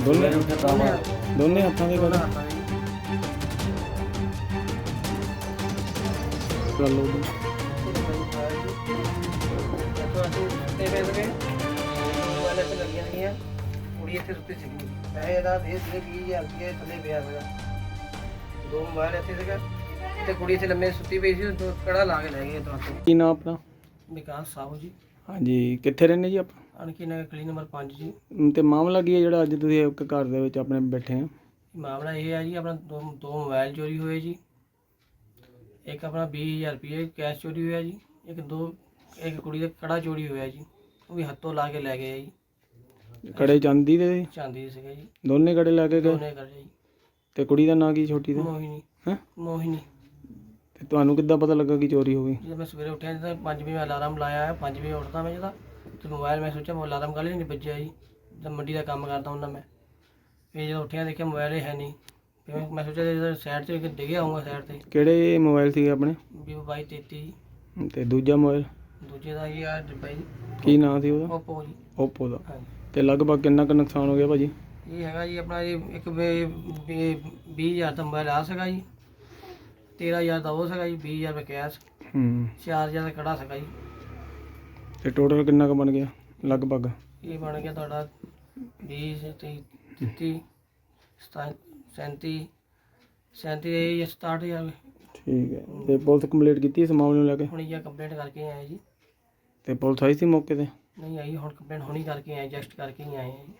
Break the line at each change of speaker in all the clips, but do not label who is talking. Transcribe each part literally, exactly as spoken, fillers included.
ਦੋਨੇ
ਦੋਨੇ
ਦੋਨੇ ਹੱਥਾਂ ਦੇ
ਦੋਨਾਂ
ਕਰ
ਹੱਥਾਂ ਦੇ
ਕਰ ਲਓ ਜੀ।
ਇੱਥੋਂ ਅਸੀਂ ਸੁੱਤੇ ਪਏ ਸੀਗੇ, ਮੋਬਾਈਲ ਇੱਥੇ ਲੱਗੀਆਂ ਸੀਗੀਆਂ, ਕੁੜੀ ਇੱਥੇ ਸੁੱਤੀ ਸੀਗੀ। ਪੈਸੇ ਇਹਦਾ ਦੇ ਸੀਗੇ ਵੀਹ ਹਜ਼ਾਰ ਰੁਪਏ ਥੱਲੇ ਪਿਆ ਸੀਗਾ, ਦੋ ਮੋਬਾਈਲ ਇੱਥੇ ਸੀਗਾ ਤੇ ਕੁੜੀ ਇੱਥੇ ਲੰਮੇ ਸੁੱਤੀ ਪਈ ਸੀ, ਦੋ ਕੜਾ ਲਾ ਕੇ ਲੈ ਗਏ ਇੱਥੋਂ ਹੱਥੋਂ।
ਕੀ ਨਾਮ ਆਪਣਾ?
ਵਿਕਾਸ ਸਾਹੂ ਜੀ,
ਹਾਂਜੀ, ਕਿੱਥੇ ਰਹਿੰਦੇ ਜੀ ਆਪਾਂ?
ਅਣਖੀ ਨਗਰ ਗਲੀ ਨੰਬਰ ਪੰਜ ਜੀ।
ਅਮ ਤੇ ਮਾਮਲਾ ਕੀ ਹੈ ਜਿਹੜਾ ਅੱਜ ਤੁਸੀਂ ਇੱਕ ਘਰ ਦੇ ਵਿੱਚ ਆਪਣੇ ਬੈਠੇ ਆ?
ਮਾਮਲਾ ਇਹ ਹੈ ਜੀ, ਆਪਣਾ ਦੋ ਦੋ ਮੋਬਾਈਲ ਚੋਰੀ ਹੋਏ ਜੀ, ਇੱਕ ਆਪਣਾ ਵੀਹ ਹਜ਼ਾਰ ਰੁਪਏ ਕੈਸ਼ ਚੋਰੀ ਹੋਇਆ ਜੀ, ਇੱਕ ਦੋ ਇੱਕ ਕੁੜੀ ਦਾ ਕੜਾ ਚੋਰੀ ਹੋਇਆ ਜੀ, ਉਹ ਵੀ ਹੱਥੋਂ ਲਾ ਕੇ ਲੈ ਗਏ ਆ ਜੀ।
ਕੜੇ ਚਾਂਦੀ ਦੇ ਸੀ?
ਚਾਂਦੀ ਦੇ ਸੀਗੇ ਜੀ,
ਦੋਨੇ ਕੜੇ ਲੈ ਕੇ ਗਏ?
ਦੋਨੇ ਕਰ ਜੀ।
ਤੇ ਕੁੜੀ ਦਾ ਨਾਂ ਕੀ ਛੋਟੀ ਦਾ?
ਮੋਹਿਨੀ।
ਹੈਂ?
ਮੋਹਿਨੀ।
ਤੇ ਤੁਹਾਨੂੰ ਕਿੱਦਾਂ ਪਤਾ ਲੱਗਾ ਕਿ ਚੋਰੀ ਹੋ ਗਈ?
ਜਦੋਂ ਮੈਂ ਸਵੇਰੇ ਉੱਠਿਆ ਤਾਂ ਪੰਜ ਵਜੇ ਅਲਾਰਮ ਲਾਇਆ, ਪੰਜ ਵਜੇ ਉੱਠਦਾ ਮੈਂ ਜਦੋਂ, ਤੇ ਮੋਬਾਈਲ ਮੈਂ ਸੋਚਿਆ ਮੈਂ ਅਲਾਰਮ ਕਾਹਲੇ ਨਹੀਂ ਵੱਜਿਆ ਜੀ, ਜਦ ਮੰਡੀ ਦਾ ਕੰਮ ਕਰਦਾ ਹੁੰਦਾ ਮੈਂ। ਫਿਰ ਜਦੋਂ ਉੱਠਿਆ ਦੇਖਿਆ ਮੋਬਾਈਲ ਹੀ ਹੈ ਨਹੀਂ, ਫਿਰ ਮੈਂ ਸੋਚਿਆ ਸਾਈਡ 'ਤੇ ਡਿੱਗਿਆ ਆਊਂਗਾ ਸਾਈਡ 'ਤੇ।
ਕਿਹੜੇ ਮੋਬਾਈਲ ਸੀਗੇ ਆਪਣੇ?
ਵੀਵੋ ਬਾਈ ਤੇਤੀ।
ਤੇ ਦੂਜਾ ਮੋਬਾਈਲ
ਦੂਜੇ ਦਾ ਇਹ ਆ ਡੱਬਾ ਜੀ,
ਕੀ ਨਾਂ ਸੀ ਉਹਦਾ?
ਓਪੋ ਜੀ।
ਓਪੋ ਦਾ।
ਹਾਂਜੀ।
ਤੇ ਲਗਭਗ ਕਿੰਨਾ ਕੁ ਨੁਕਸਾਨ ਹੋ ਗਿਆ ਭਾਜੀ?
ਇਹ ਹੈਗਾ ਜੀ ਆਪਣਾ ਜੀ ਇੱਕ ਵੀਹ ਹਜ਼ਾਰ ਦਾ ਮੋਬਾਈਲ ਆ ਸੀਗਾ ਜੀ, ਤੇਰ੍ਹਾਂ ਹਜ਼ਾਰ ਦਾ ਉਹ ਸੀਗਾ ਜੀ, ਵੀਹ ਹਜ਼ਾਰ ਰੁਪਏ ਕੈਸ਼,
ਹੂੰ।
ਚਾਰ ਹਜ਼ਾਰ ਦਾ ਕੜਾ ਸੀਗਾ ਜੀ।
ਤੇ ਟੋਟਲ ਕਿੰਨਾ ਕੁ ਬਣ ਗਿਆ ਲਗਭਗ?
ਇਹ ਬਣ ਗਿਆ ਤੁਹਾਡਾ ਵੀਹ ਤੀਹ ਤੀਹ ਸਤਾ ਸੈਂਤੀ ਸੈਂਤੀ ਇਹ ਸਤਾਹਠ ਹਜ਼ਾਰ।
ਠੀਕ ਹੈ। ਤੇ ਪੁਲਿਸ ਕੰਪਲੀਟ ਕੀਤੀ ਇਸ ਮਾਮਲੇ ਨੂੰ ਲੈ ਕੇ?
ਹੁਣ ਇਹ ਕੰਪਲੇਂਟ ਕਰਕੇ ਆਏ ਜੀ।
ਤੇ ਪੁਲਿਸ ਆਈ ਸੀ ਮੌਕੇ ਤੇ?
ਨਹੀਂ ਆਈ, ਹੁਣ ਕੰਪਲੇਂਟ ਹੁਣੀ ਕਰਕੇ ਆਏ, ਜਸਟ ਕਰਕੇ ਹੀ ਆਏ ਆ ਜੀ।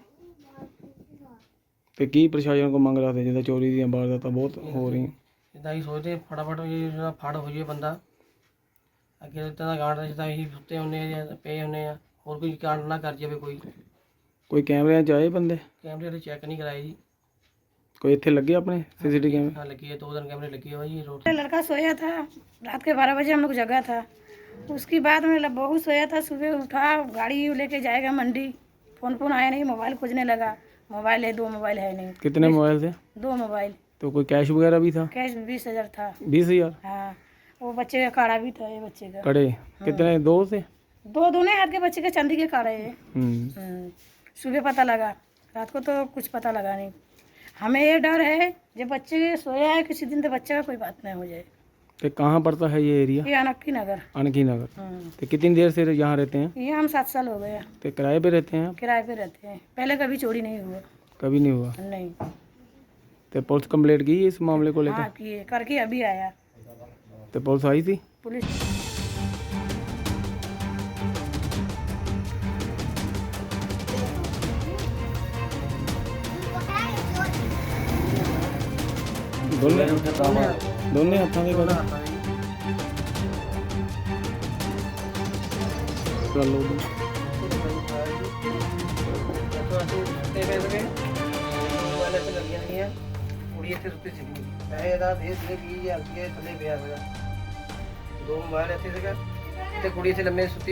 ਤੇ ਕੀ ਪ੍ਰਸ਼ਾਸਨ ਕੋ ਮੰਗ ਰੱਖਦੇ ਜਿੱਦਾਂ ਚੋਰੀ ਦੀਆਂ ਵਾਰਦਾਤਾਂ ਬਹੁਤ ਹੋ ਰਹੀਆਂ?
ਇੱਦਾਂ ਹੀ ਸੋਚਦੇ ਫਟਾਫਟ ਇਹ ਜਿਹੜਾ ਫੜ ਹੋ ਜਾਵੇ ਬੰਦਾ, ਅੱਗੇ ਇੱਦਾਂ ਦਾ ਗਾਂਡ ਜਿੱਦਾਂ ਅਸੀਂ ਸੁੱਤੇ ਹੁੰਦੇ ਆ ਜਾਂ ਪਏ ਹੁੰਦੇ ਆ, ਹੋਰ ਕੋਈ ਕਾਂਡ ਨਾ ਕਰ ਜਾਵੇ ਕੋਈ।
ਕੋਈ ਕੈਮਰਿਆਂ 'ਚ ਆਏ ਬੰਦੇ?
ਕੈਮਰੇ ਵਾਲੇ ਚੈੱਕ ਨਹੀਂ ਕਰਾਏ ਜੀ।
ਕੋਈ ਇੱਥੇ ਲੱਗੇ ਆਪਣੇ सीसीटीवी कैमरे?
हाँ लगी है, दो दिन कैमरे लगी है भाई रोड।
लड़का सोया था, रात के बारह बजे हम लोग जगा था। उसके बाद में बहू सोया था, सुबह उठा गाड़ी लेके जाएगा मंडी, फोन फोन आया नहीं, मोबाइल खोजने लगा, मोबाइल है, दो मोबाइल है नहीं।
कितने मोबाइल थे?
दो मोबाइल।
तो कोई कैश वगैरह भी था?
कैश बीस हजार था।
बीस हजार?
हाँ, वो बच्चे का काड़ा भी था, ये बच्चे का
कड़े कितने? दो थे?
दो दोनों हाथ के बच्चे के चांदी के काड़े है।
हम्म।
हम्म, सुबह पता लगा, रात को तो कुछ पता लगा नहीं। हमें ये डर है जब बच्चे सोया है किसी दिन तो बच्चे का कोई बात नहीं हो जाए।
तो कहाँ पड़ता है ये एरिया?
ये अनक्की नगर।
अनकी नगर।
हम्म,
तो कितनी देर से यहाँ रहते हैं?
ये हम सात साल हो गए,
तो किराए पे रहते हैं आप?
किराए पे रहते हैं, पहले कभी चोरी नहीं हुआ।
कभी नहीं हुआ?
नहीं।
तो पुलिस कंप्लेंट की इस मामले को
हाँ
लेकर?
किए, करके अभी आया
तो पुलिस आई थी?
पुलिस।
दोने
ਦੋਨੇ
दोने हत्थों के
ਦੋਨਾਂ
कर
ਹੱਥਾਂ ਦੇ
कर लो जी।
ਇੱਥੋਂ ਅਸੀਂ ਸੁੱਤੇ ਪਏ ਸੀਗੇ, ਮੋਬਾਈਲ ਇੱਥੇ ਲੱਗੀਆਂ ਸੀਗੀਆਂ, ਕੁੜੀ ਇੱਥੇ ਸੁੱਤੀ ਸੀਗੀ। ਪੈਸੇ ਇਹਦਾ ਦੇ ਸੀਗੇ ਵੀਹ ਹਜ਼ਾਰ ਰੁਪਏ ਥੱਲੇ ਪਿਆ ਸੀਗਾ, ਦੋ ਮੋਬਾਈਲ ਇੱਥੇ ਸੀਗਾ ਤੇ ਕੁੜੀ ਇੱਥੇ ਲੰਮੇ ਸੁੱਤੀ